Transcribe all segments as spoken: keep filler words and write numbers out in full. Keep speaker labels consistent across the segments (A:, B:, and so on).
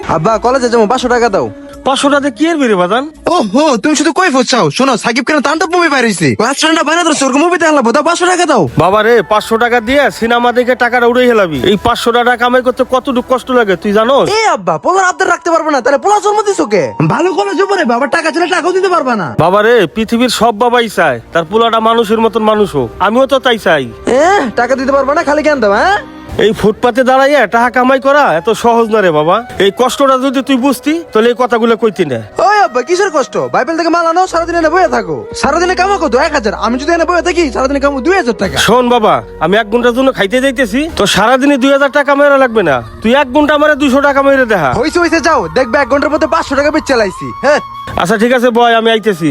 A: আব্বা কলেজে যাবো, পাঁচশো টাকা দাও।
B: পাঁচশো টাকা কি এর বেরে বাদান?
A: ওহো, তুমি শুধু কই ফুটছাও? শোনো, সাকিব খান তাণ্ডব মুভি বাইর হইছে, ক্লাস ফ্রেন্ডরা বানা ধরছে, ওরকম মুভি দেখলা দাও, পাঁচশো টাকা দাও।
B: বাবা রে, পাঁচশো টাকা দিয়ে সিনেমা দেখে টাকাটা উড়ে হেলাবি? এই পাঁচশো টাকা কামাই করতে কতটুকু কষ্ট লাগে তুই জানো?
A: এ আব্বা, পোলার আবদার রাখতে পারবে না, তাহলে পোলা জন্ম দিছো কে? ভালো কলেজে পড়ে বাবা, টাকা ছেলে টাকাও দিতে পারবা না।
B: বাবা রে, পৃথিবীর সব বাবাই চায় তার পোলাটা মানুষের মতন মানুষ হোক, আমিও তো তাই চাই।
A: এ টাকা দিতে পারবা না, খালি জ্ঞান দাও। হ্যাঁ,
B: এই ফুটপাতে দাঁড়াইয়া টাকা কামাই করা এত সহজ না রে বাবা। এই কষ্টটা যদি তুই বুঝতি তাহলে এই কথাগুলো কইতি না।
A: ওই আব্বা, কিসের কষ্ট? বাইবেল থেকে মাল আনো, সারাদিন এনে বয়ে থাকো। সারাদিনে কামো কত? এক হাজার। আমি যদি এনে বয়ে থাকি, সারাদিনে কামো দুই হাজার টাকা।
B: শোন বাবা, আমি এক ঘন্টার জন্য খাইতে যাইতেছি, তো সারাদিনে দুই হাজার টাকা মেরা লাগবে না, তুই এক ঘন্টা আমার দুইশো টাকা মেরে দেখা।
A: হইছে হইছে, যাও দেখবে এক ঘন্টার মধ্যে পাঁচশো টাকা বেচ চালাইছি। হ্যাঁ
B: আচ্ছা ঠিক আছে বয়, আমি আইতেছি।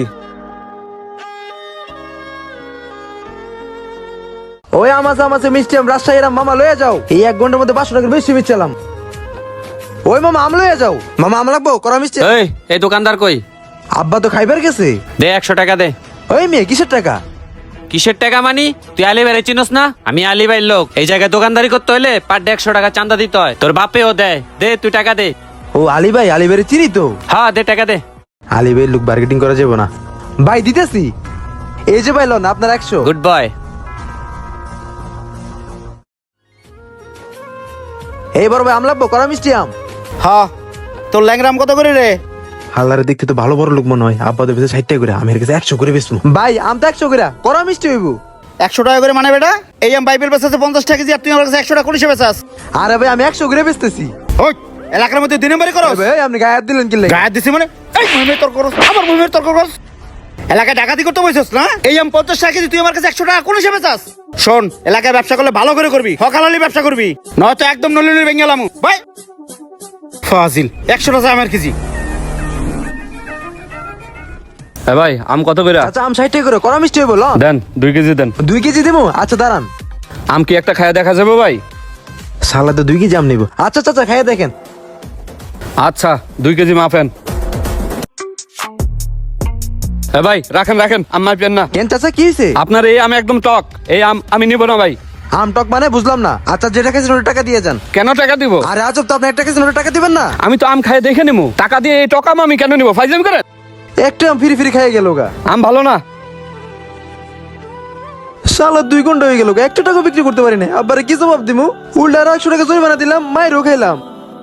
A: ওই আমাছে আমাছে মিষ্টি আম রাজশাহী এরাম মামা লয়ে যাও, এই এক ঘন্টার মধ্যে পাঁচশো টাকার বেশি বেচলাম। ওই মামা আম লয়ে যাও। মামা আম লাগবো, করা মিষ্টি।
C: এই এই দোকানদার কই?
A: আব্বা তো খাইবার গেছে।
C: দে একশো টাকা দে।
A: ওই মেয়ে, কিসের টাকা?
C: কিসের টাকা মানি? তুই আলি ভাই চিনস না? আমি আলি ভাইয়ের লোক। এই জায়গায় দোকানদারি করতে হলে পার ডে একশো টাকা চান্দা দিতে হয়। তোর বাপেও দেয়। দে তুই টাকা দে।
A: ও আলী ভাই, আলী ভাইয়ের চিনি তো।
C: হ্যাঁ দে টাকা দে।
A: আলী ভাই লোক মার্কেটিং করা যাবে না। ভাই দিতেছি, এই যে ভাই লোন আপনার একশো।
C: Good boy.
A: এইবার ভাই আম লাগবো, করা মিষ্টি আম।
D: হ্যাঁ, তোর ল্যাংরাম কত করে রে?
A: হালারে দেখতে তো ভালো বড় লোক মনে হয়। আব্বা তো বেশি ষাট টাকা করে, আমি কাছে একশো করে বেচবো। ভাই আম তো একশো করে, করা মিষ্টি হইব।
D: একশো টাকা করে মানে বেটা? এই আম বাইবেল বেচাচ্ছে পঞ্চাশ টাকা কেজি, আর তুই আমার কাছে একশো টাকা করে হিসেবে বেচাস?
A: আরে ভাই আমি একশো করে বেচতেছি।
D: ওই এলাকার মধ্যে দিনে বাড়ি করো?
A: ভাই আপনি গায়ে হাত দিলেন কি লাগে?
D: গায়ে দিছি মানে? এই মহিমের তর্ক করস, আমার মহিমের তর্ক করস। এলাকায় ডাকাতি করতে বসেছিস না? এই আম পঞ্চাশ টাকা কেজি, তুই আমার কাছে একশো টাকা কোন হিসেবে চাস? শোন, এলাকায় ব্যবসা করলে ভালো করে করবি, হকালালি ব্যবসা করবি, নয়তো একদম নলিনী বেঙ্গেলাম ভাই। ফাজিল, একশো টাকা আমার কেজি।
C: হ্যাঁ ভাই, আম কত করে?
A: আচ্ছা আম ষাট টাকা করে, করা মিষ্টি হইব। লন
C: দেন দুই কেজি দেন।
A: দুই কেজি দেবো। আচ্ছা দাঁড়ান,
C: আম কি একটা খায়া দেখা যাবে ভাই?
A: সালাদে দুই কেজি আম নিব। আচ্ছা চাচা খাইয়ে দেখেন।
C: আচ্ছা দুই কেজি মাফেন। হ্যাঁ ভাই রাখেন রাখেন, আম মাফেন না।
A: কেন চাচা, কি হয়েছে?
C: আপনার এই আম একদম টক, এই আম আমি নিব না ভাই।
A: আম টক মানে বুঝলাম না। আচ্ছা যেটা খাইছেন ওটা টাকা দিয়ে যান।
C: কেন টাকা দিব?
A: আরে আজব তো, আপনি একটা খাইছেন ওটা টাকা দিবেন না?
C: আমি তো আম খাই দেখে নিবো, টাকা দিয়ে এই টক আম আমি কেন নিবো? ফাইজলামি করেন?
A: একটা আম ফিরি ফিরি খাইয়ে গেল গা।
C: আম ভালো না।
A: সালা দুই ঘন্টা হয়ে গেল, একটা টাকা বিক্রি করতে পারি না। আব্বারে কি জবাব দিমু? উল্টা আরো একশো টাকা জরিমানা দিলাম, মায়েরও খাইলাম।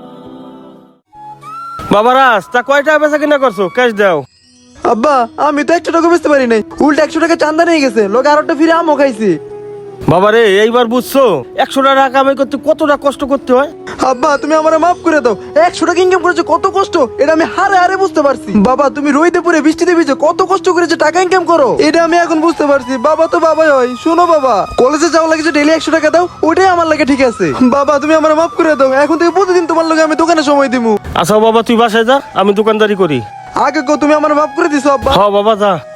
B: বাবা রাজ, তা কয় টাকা বেচা কিনা করছো? ক্যাশ দাও।
A: আব্বা আমি তো একশো টাকা বেচতে পারি নাই, উল্টা একশো টাকা চান্দা নিয়ে গেছে, লোক আরোটা ফিরে আমও খাইছি।
B: বাবা রে, এইবার বুঝছো একশো টাকা কামাই করতে কতটা কষ্ট করতে হয়?
A: আব্বা তুমি আমার মাফ করে দাও, একশো টাকা ইনকাম করেছে কত কষ্ট, এটা আমি হারে হারে বুঝতে পারছি। বাবা তুমি রইতে পুরে বৃষ্টিতে ভিজে কত কষ্ট করেছে টাকা ইনকাম করো, এটা আমি এখন বুঝতে পারছি। বাবা তো বাবাই হয়। শোনো বাবা, কলেজে যাওয়া লাগে যে ডেইলি একশো টাকা দাও, ওটাই আমার লাগে ঠিক আছে। বাবা তুমি আমার মাফ করে দাও, এখন থেকে প্রতিদিন তোমার লগে আমি দোকানে সময় দিমু।
B: আচ্ছা বাবা, তুই বাসায় যা, আমি দোকানদারি করি।
A: আগে কো তুমি আমার মাফ করে দিছো আব্বা।
B: হ্যাঁ বাবা যা।